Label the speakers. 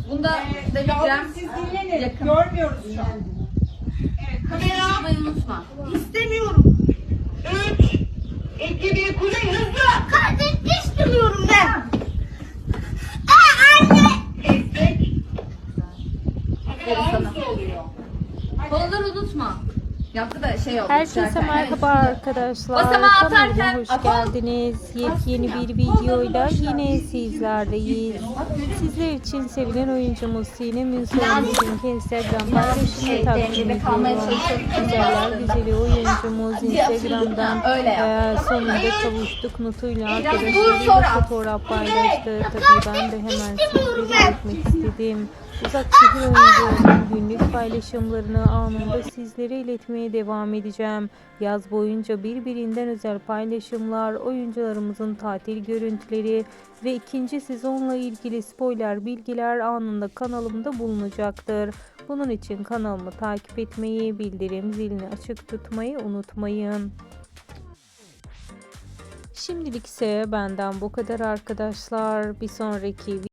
Speaker 1: Bunda Telegram
Speaker 2: Siz dinlenin.
Speaker 1: yakın.
Speaker 2: Görmüyoruz şu an.
Speaker 1: Evet, kamera almayı unutma.
Speaker 2: İstemiyorum. 3, 2, 1, Kuzey hızlı.
Speaker 3: Kardeş istemiyorum ben.
Speaker 2: Kestik.
Speaker 1: Evet,
Speaker 2: Kamera
Speaker 1: sana.
Speaker 2: hızlı oluyor.
Speaker 1: Kolları unutma. Yaptı da şey oldu.
Speaker 4: Herkese
Speaker 1: düşerken.
Speaker 4: merhaba
Speaker 1: Evet.
Speaker 4: arkadaşlar.
Speaker 1: Basamağı
Speaker 4: Kanalıma
Speaker 1: atarken
Speaker 4: hoş
Speaker 1: atalım.
Speaker 4: geldiniz. Yepyeni bir videoyla yine sizlerleyiz. Sizler için sevilen oyuncumuz Sinem Ünsal'ın bugünkü Instagram paylaşımını takdim ediyorum. Güzeller güzeli oyuncumuz Instagram'dan
Speaker 1: Öyle yap.
Speaker 4: sonunda kavuştuk notuyla
Speaker 1: dur,
Speaker 4: arkadaşlarıyla
Speaker 1: sonra.
Speaker 4: fotoğraf paylaştı. Tabii ben de hemen sizlere iletmek istedim. Uzak şehir oyuncularının günlük paylaşımlarını anında sizlere iletmeye devam edeceğim. Yaz boyunca birbirinden özel paylaşımlar, oyuncularımızın tatil görüntüleri ve ikinci sezonla ilgili spoiler bilgiler anında kanalımda bulunacaktır. Bunun için kanalımı takip etmeyi, bildirim zilini açık tutmayı unutmayın. Şimdilik ise benden bu kadar arkadaşlar. Bir sonraki